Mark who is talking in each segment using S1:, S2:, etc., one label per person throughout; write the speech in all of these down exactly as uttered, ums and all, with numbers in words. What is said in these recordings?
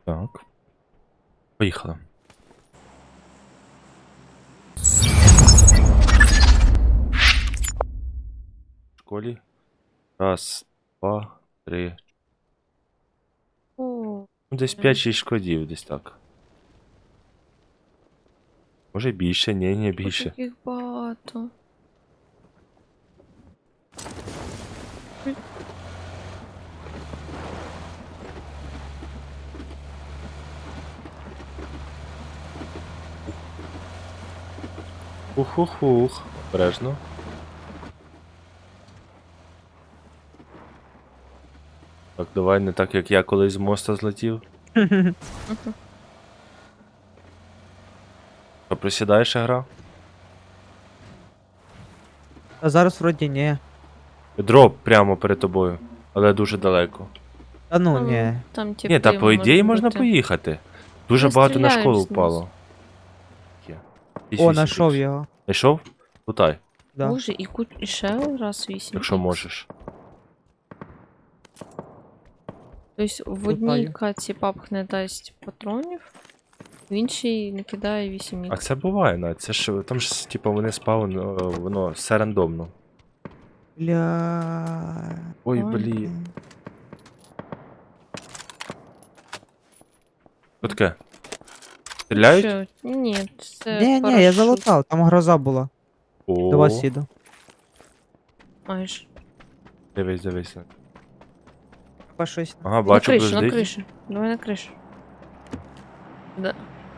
S1: Так. Поїхали. В школі. Раз, два, три.
S2: О,
S1: Ну, десь п'ять-шість шкодів, десь так. Може більше, ні, ні, більше.
S2: таких багато.
S1: Ух-ух-ух. Обережно. Так, давай не так, як я колись з моста злетів. Що, присідаєш ще гра?
S3: А зараз вроді ні.
S1: Дроп прямо перед тобою, але дуже далеко.
S3: Та ну
S2: Там-
S3: ні.
S2: Там
S1: Ні, та
S2: типи
S1: по ідеї
S2: можуть
S1: можна
S2: бути.
S1: поїхати. Дуже
S2: Я
S1: багато на
S2: стріляю
S1: школу
S2: знизу.
S1: впало. Є.
S3: О, знайшов його.
S1: Знайшов? Лутай,
S3: Да.
S2: Боже, і, ку... і ще раз вісім.
S1: якщо можеш.
S2: Тобто в одній
S3: Лутаю.
S2: каці папк не дасть патронів, в іншій не кидає вісім
S1: А
S2: ікс.
S1: це буває, Надь. Це ж там ж, типу, вони спавн, воно все рандомно.
S3: Бля.
S1: Ой,
S2: Ой,
S1: блін. Що таке? Стріляють?
S2: Що? Ні, це
S3: Ні, ні, я
S2: парашут.
S3: залутав, там гроза була.
S1: О,
S3: До вас їду.
S2: Майже.
S1: дивись, дивись.
S3: Треба щось.
S1: Ага,
S2: На
S1: бачу,
S2: кришу, на
S1: ближдить.
S2: кришу. Давай на кришу. Да.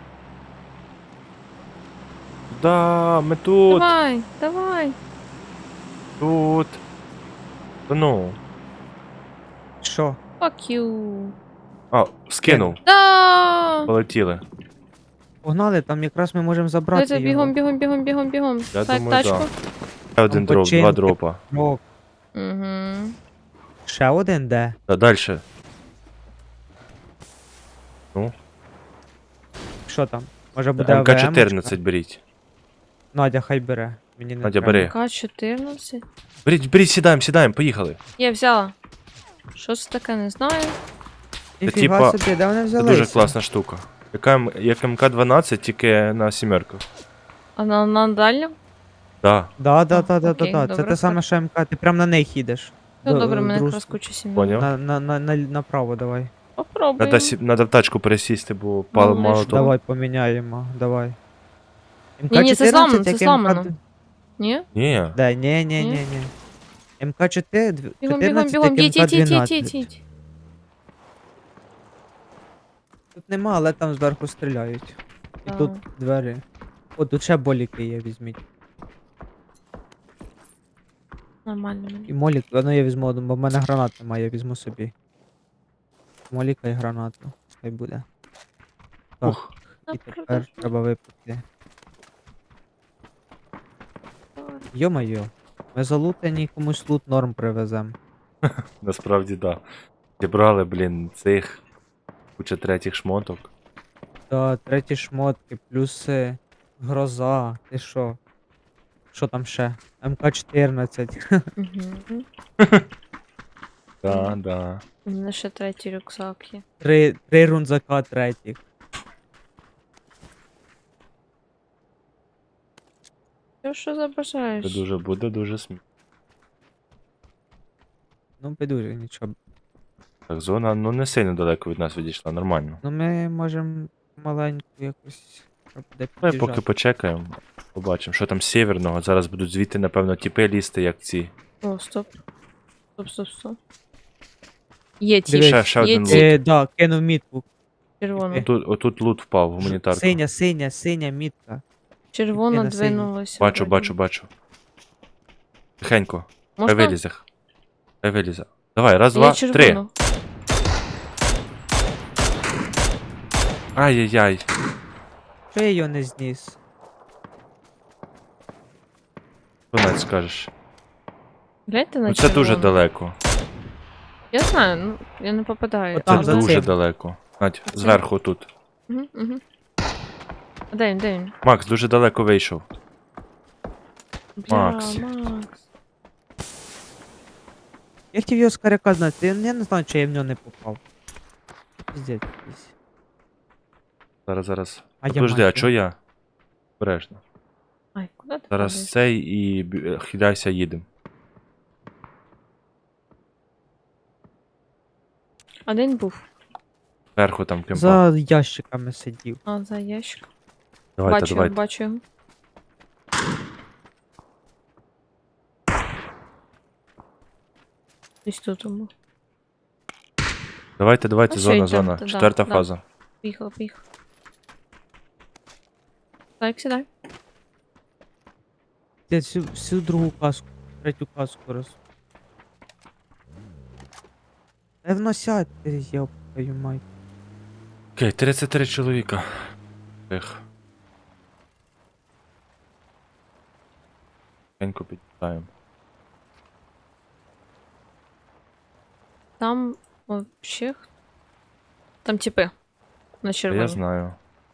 S1: Да, ми тут,
S2: Давай, давай.
S1: тут. Та ну.
S3: Що?
S2: Fuck you.
S1: А, скинув.
S2: Да!
S1: Полетіли.
S3: Погнали, там якраз ми можемо забрати
S2: Давайте
S3: його.
S2: бігом, бігом, бігом, бігом, бігом.
S1: Я
S2: Так,
S1: думаю,
S2: тачку.
S1: да. Ще один дроп,
S3: починки.
S1: два дропа.
S3: О,
S2: Угу.
S3: ще один де?
S1: Та дальше. Ну,
S3: Що там? Може буде
S1: ем ка
S3: АВМ-очка?
S1: чотирнадцять беріть.
S3: Надя, хай бере. Мені не
S1: Надя,
S3: треба.
S1: бери.
S2: К чотирнадцять.
S1: Беріть, беріть, сідаємо, сідаємо, поїхали.
S2: Я взяла. Що це таке, не знаю.
S3: Ніфіга
S1: типа,
S3: собі, де вони
S1: Це
S3: взялися?
S1: дуже класна штука. Яка, М- як ем ка дванадцять, тільки на сімерках.
S2: А на, на дальньому?
S1: Да,
S3: Да, да,
S2: А,
S3: да, да,
S2: окей,
S3: да, да. Це
S2: добре,
S3: те саме, що МК, ти прям на них їдеш.
S2: Ну
S3: До-
S2: добре,
S3: в
S2: мене
S3: другу
S2: якраз куча сім'ї.
S1: поняв.
S3: На, на, на, на, направо давай.
S2: Попробуємо.
S1: Надо, сі... Надо в тачку пересісти, бо пало
S2: Ну,
S1: мало
S2: лиш
S1: того.
S3: Давай поміняємо, давай.
S2: Ні-ні, це зламано, це
S3: як
S2: зламано.
S3: МК...
S2: Ні?
S1: Ні,
S3: Да, ні, ні,
S2: Ні?
S3: ні, ні. МК чотирнадцять,
S2: Бігом, бігом,
S3: чотирнадцять
S2: бігом.
S3: як
S2: Їдь,
S3: МК
S2: їдь, їдь, їдь,
S3: дванадцять.
S2: їдь.
S3: Тут нема, але там зверху стріляють. І
S2: А.
S3: тут двері. О, тут ще боліки є, візьміть.
S2: Нормально мені.
S3: І молік, ну я візьму один, бо в мене гранат немає, я візьму собі. Моліка і гранату. Хай буде. Так,
S1: Ух.
S3: і тепер треба випити. Йо-майо, ми залутані комусь лут норм привезем.
S1: насправді да. Зібрали, блін, цих куча третіх шмоток.
S3: Та треті шмотки, плюси, гроза, ти що? Що там ще? МК чотирнадцять.
S2: Угу.
S1: Да,
S2: Мгм.
S1: да.
S2: У мене ще третій рюкзак є.
S3: Три, три рунзака третіх.
S2: Що, що
S1: Це
S2: забажаєш?
S1: дуже буде дуже смішно.
S3: Ну, підуже, нічого.
S1: Так, зона, ну не сильно далеко від нас відійшла, нормально.
S3: Ну ми можемо маленьку якось. Щоб де
S1: Давай
S3: під'їжджати.
S1: поки почекаємо. Побачимо, що там з сєвєрного. Зараз будуть звідти, напевно, тіпи лізти, як ці.
S2: О, стоп. Стоп, стоп, стоп. Є ті,
S3: Дивись.
S1: Ще, ще
S2: є
S1: один
S2: ті.
S1: лут.
S3: Е, да, кинув мітку.
S2: Червона.
S1: Тут, отут лут впав, гуманітарка.
S3: Синя, синя, синя мітка.
S2: Червона
S3: на синій.
S2: двинулася.
S1: Бачу,
S2: вроді.
S1: бачу, бачу. Тихенько. Хай
S2: Можна?
S1: вилізе. Хай вилізе. Давай, раз,
S2: Я
S1: два, три.
S2: червону.
S1: Ай-яй-яй.
S3: Що я його не зніс?
S1: Що навіть скажеш?
S2: Гляньте на
S1: Ну це дуже
S2: червону.
S1: далеко.
S2: Я знаю, ну я не попадаю.
S3: От там
S1: Це
S3: за
S1: дуже
S3: цим.
S1: далеко. Надь,
S2: Оце?
S1: зверху тут.
S2: Угу, угу. А де він, де він?
S1: Макс дуже далеко вийшов.
S2: Бля,
S1: Макс.
S2: Макс.
S3: Я хотів його з каряка знати, я я не знаю, чи я в нього не попав. Піздець якийсь.
S1: Зараз, зараз.
S3: А я
S1: Подожди, а
S3: мать.
S1: чо я? Обережно.
S2: Ай, куди ти
S1: Зараз
S2: падаєш?
S1: цей і б- е, хиляйся, їдем.
S2: А де він був?
S1: Зверху там кемпа.
S3: За ящиками сидів.
S2: А, за ящик.
S1: Давайте,
S2: бачу,
S1: давайте.
S2: бачу його. Десь тут був.
S1: Давайте, давайте,
S2: Ну,
S1: зона,
S2: що, йдем,
S1: зона.
S2: да,
S1: Четверта
S2: да.
S1: фаза.
S2: Поїхала, поїхала. Так, сідай.
S3: Я всю, всю другу каску, третю каску роз. Певно сядь, ти я твою мать.
S1: Окей, тридцять три чоловіка. Ех. Тихенько підтаємо.
S2: Там вообще... х- Там типи. На
S1: Та
S2: червоні.
S1: я знаю.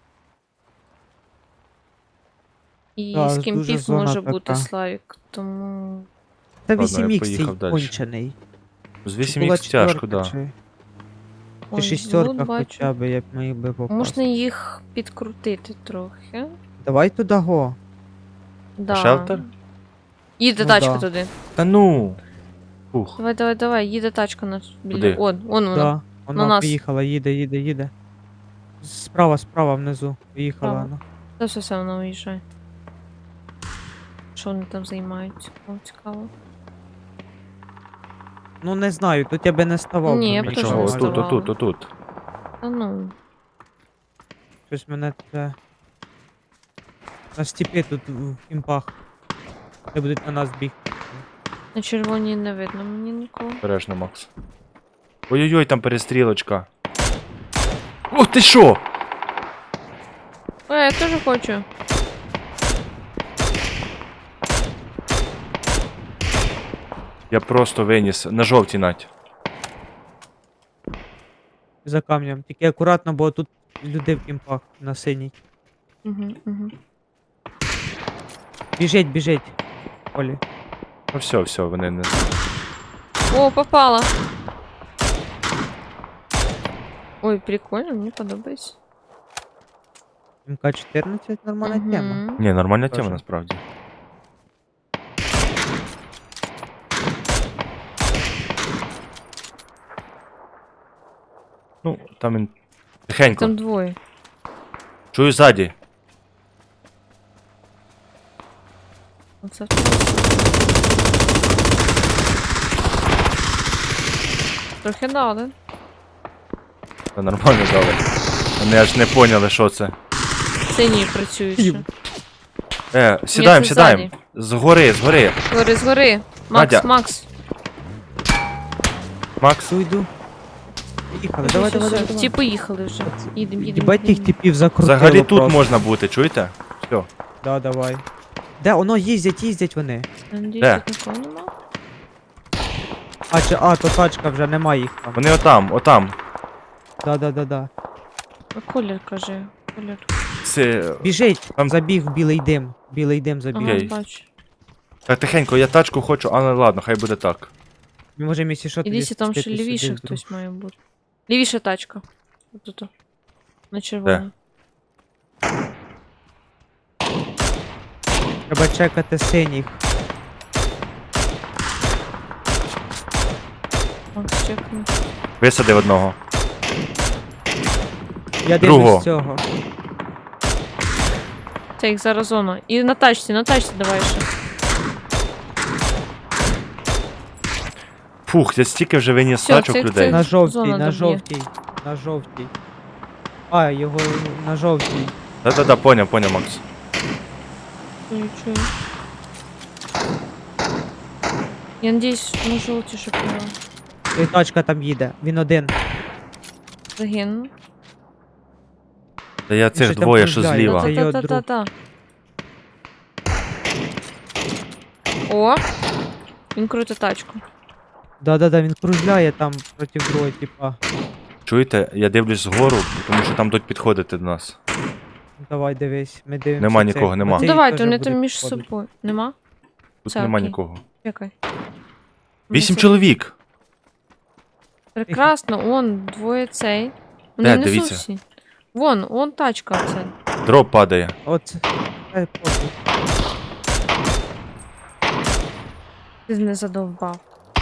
S2: І
S3: Так,
S2: з
S3: дуже
S2: ким пік
S3: зона
S2: може
S3: така.
S2: бути Славік, тому...
S3: Та
S1: Ладно,
S3: вісім
S1: я
S3: ікс цей
S1: поїхав дальше.
S3: кончений.
S1: З
S3: Чи
S1: вісім
S3: була
S1: ікс тяжко,
S3: четвірка,
S1: да.
S3: Чи,
S2: Ой,
S3: чи шістерка
S2: лут бачу.
S3: хоча б, як міг би попасти.
S2: Можна їх підкрутити трохи.
S3: Давай туди го.
S2: Да.
S1: Шелтер?
S2: Їде
S3: Ну
S2: тачка
S3: да.
S2: туди.
S1: Та ну! Фух.
S2: Давай, давай, давай, їде тачка на біля.
S1: Куди?
S2: Он, он вона.
S3: Да, вона
S2: нас.
S3: поїхала, їде, їде, їде. Справа, справа внизу. Поїхала
S2: Справа.
S3: вона.
S2: Та все, все, вона уїжджає. Що вони там займаються? О, цікаво.
S3: Ну не знаю, тут я би не ставав.
S2: Ні,
S3: бо
S2: я б
S3: мені
S2: теж
S1: Нічого,
S2: не
S3: щось-
S1: отут,
S2: ставала.
S1: отут, отут.
S2: Та ну.
S3: Щось мене це... На степі тут в кімпах. Де будуть на нас бігти.
S2: На червоній не видно мені нікого.
S1: Обережно, Макс. Ой-ой-ой, там перестрілочка. О, ти що?
S2: Ой, я теж хочу.
S1: Я просто виніс. На жовтій нать.
S3: За камнем. Тільки акуратно, бо тут люди в кімпах на синій.
S2: Угу, угу.
S3: Біжить, біжить. Олі.
S1: Ну все, все, вони не.
S2: О, попала. Ой, прикольно, мені подобається.
S3: ем ка чотирнадцять нормальна
S2: Мгм.
S3: тема.
S1: Ні, нормальна
S3: Тоже.
S1: тема насправді. Ну, там він. Тихенько.
S2: Там двоє.
S1: Чую ззаді.
S2: Оце. Трохи дали.
S1: Та нормально дали. Вони аж не поняли, що це.
S2: Сині працюють ще.
S3: Їм.
S1: Е, сідаємо,
S2: це
S1: сідаємо. Згори, згори.
S2: Згори, згори. Макс,
S1: Надя.
S2: Макс.
S1: Макс.
S3: Йду. Поїхали, давай,
S2: Все,
S3: давай,
S2: все,
S3: давай.
S2: Ті поїхали вже. Їдем, їдем.
S3: Їбать їх
S2: їдем.
S3: типів закрутило
S1: Взагалі тут
S3: просто.
S1: можна бути, чуєте? Все.
S3: Да, давай. Де, воно їздять, їздять вони.
S2: Надіюсь,
S1: Де?
S2: тут нікого нема.
S3: А, чи, а, то тачка вже нема їх там.
S1: Вони отам, отам.
S3: Да, да, да, да.
S2: А колір, каже. Колір.
S1: Це...
S3: Біжить,
S1: Там-
S3: забіг в білий дим. Білий дим забіг.
S2: Ага,
S1: Окей.
S2: бачу.
S1: Так, тихенько, я тачку хочу, але ладно, хай буде так.
S3: Ми можемо, якщо що, тоді
S2: Ідіться, там ще
S3: спуститись
S2: лівіше
S3: сюди вдруг.
S2: хтось має бути. Лівіша тачка. Отут. На червоній.
S3: Треба чекати синіх.
S2: Макс, чекни.
S1: Висадив одного.
S3: Я
S1: Другого.
S3: дивлюсь цього.
S2: Це їх зараз зона. І на тачці, на тачці давай ще.
S1: Фух, я стільки вже виніс
S2: Всьо,
S1: тачок
S2: це-
S1: людей.
S2: це-
S3: На жовтій,
S2: зона
S3: на
S2: доб'є.
S3: жовтій, на жовтій. А, його на жовтій.
S1: Да-да-да, поняв, поняв, Макс.
S2: Чую, чую. Я надіюсь, на жовті, щоб я
S3: І тачка там їде. Він один.
S2: загину.
S1: Та я цих
S3: щось там
S1: двоє, що
S3: кружляє.
S1: зліва.
S3: Це його
S2: Та-та-та-та-та. О! Він крутить тачку.
S3: Да-да-да, він кружляє там проти другого, типа.
S1: Чуєте, я дивлюсь згору, тому що там будуть підходити до нас.
S3: Давай дивись, ми дивимося.
S1: Нема
S3: цих.
S1: нікого, нема.
S3: Оцей
S2: Ну давайте,
S3: теж
S2: вони
S3: буде
S2: там між
S3: підходити.
S2: собою. Нема?
S1: Тут
S2: Це
S1: нема
S2: окей.
S1: нікого.
S2: Чекай.
S1: Вісім
S2: Вони
S1: чоловік!
S2: Прекрасно, он, двоє цей.
S1: Де,
S2: Вони внизу
S1: дивіться.
S2: всі. Вон, вон тачка оце.
S1: Дроп падає.
S3: Оце. Ай, похуй.
S2: Ти не задовбав.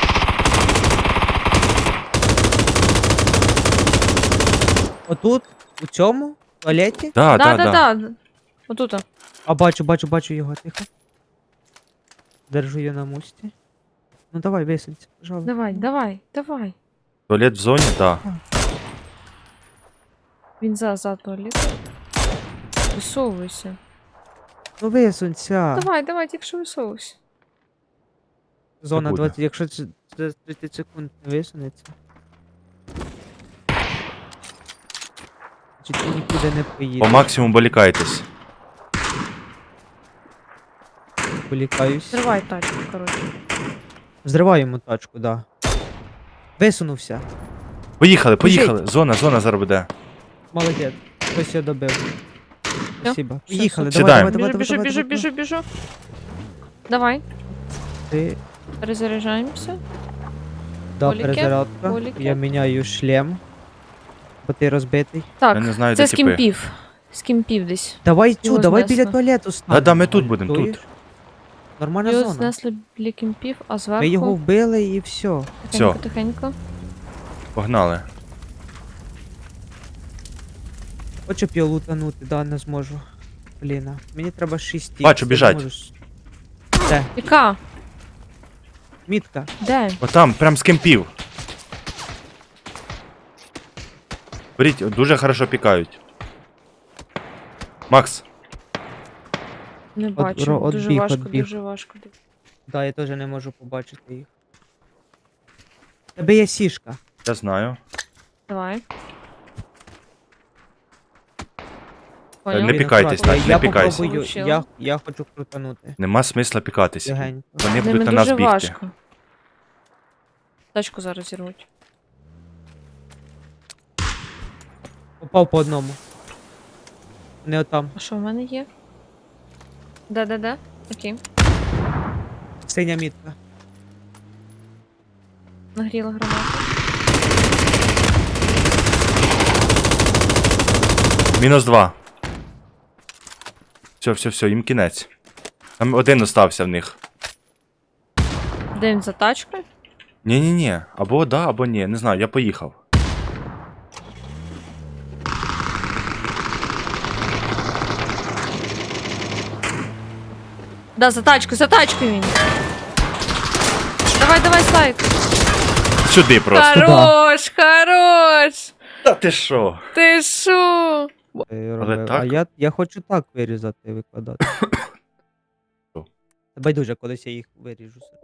S3: Отут, у цьому туалеті.
S1: Да,
S2: да,
S1: да,
S2: да,
S1: да.
S2: да. Отут.
S3: А бачу, бачу, бачу його, тихо. Держу її на мості. Ну давай, висунься, пожалуйста.
S2: Давай, давай, давай.
S1: Туалет в зоні, да.
S2: Він за, за туалетом. Висовуйся.
S3: Ну висунься.
S2: Давай, давай, тільки що висовуйся.
S3: Зона
S1: буде.
S3: двадцять, якщо це це тридцять секунд не висунеться. Чи ти нікуди не
S1: По
S3: поїдеш?
S1: максимуму болікайтесь.
S3: Полікаюсь.
S2: Зривай тачку, коротше.
S3: Зриваємо тачку, да. Висунувся.
S1: Поїхали,
S3: Біжить.
S1: поїхали. Зона, зона зараз буде.
S3: Молодець. Хтось його добив. Спасибо.
S2: Все,
S3: Поїхали,
S2: все.
S3: давай,
S1: Сідаємо.
S3: давай, давай,
S2: Біжу,
S3: давай,
S2: біжу,
S3: давай,
S2: біжу,
S3: давай.
S2: біжу, біжу. Давай,
S3: Ти,
S2: перезаряджаємося.
S3: да,
S2: Поліки,
S3: перезарядка.
S2: поліки.
S3: Я міняю шлем. Бо ти розбитий.
S2: Так,
S1: Я не знаю,
S2: це
S1: де
S2: з
S1: тіпи.
S2: кімпів. З кімпів десь.
S3: Давай цю,
S2: Його
S3: давай
S2: знесло.
S3: біля туалету стань.
S1: Да, да, ми тут будемо,
S3: Чуєш?
S1: тут.
S3: Нормальна
S2: Його
S3: зона.
S2: знесли біля кімпів, а
S3: Ми
S2: зверху...
S3: його вбили і все.
S2: Тихенько,
S1: Всьо.
S2: тихенько.
S1: Погнали.
S3: Хочу б його лутанути, да, не зможу. Блін, а. Мені треба шість.
S1: Бачу, біжать.
S3: Де?
S2: Яка?
S3: Мітка.
S2: Де?
S1: Отам, прям з кемпів. Беріть, дуже хорошо пікають. Макс,
S2: Не
S3: От
S2: бачу.
S3: ро- от
S2: Дуже
S3: біг,
S2: важко,
S3: от біг.
S2: дуже важко.
S3: Да, я теж не можу побачити їх. В Тебе є сішка.
S1: я знаю.
S2: Давай.
S1: Не
S2: Поняв?
S1: пік- пікайтесь,
S3: акуратно.
S1: Надь,
S3: я
S1: не пікайся.
S3: попробую,
S2: Получила.
S3: я, я хочу крутанути.
S1: Нема смисла пікатися.
S3: Легенько.
S1: Вони
S2: З ними
S1: будуть на нас
S2: дуже
S1: бігти.
S2: важко. Тачку зараз зірвуть.
S3: Попав по одному. Не отам.
S2: А що в мене є? Да-да-да. Окей.
S3: Синя мітка.
S2: Нагріла гранату.
S1: Мінус два. Все, все, все, їм кінець. Там один остався в них.
S2: Де він за тачкою?
S1: Ні-ні-ні, або да, або ні, не знаю, я поїхав.
S2: Да, за тачкою, за тачкою він. Давай, давай, слайд.
S1: Сюди просто.
S2: Хорош, хорош.
S1: Та ти що?
S2: Ти шо?
S3: Е, робив.
S1: так?
S3: А я, я хочу так вирізати і викладати. Та байдуже, колись я їх виріжу.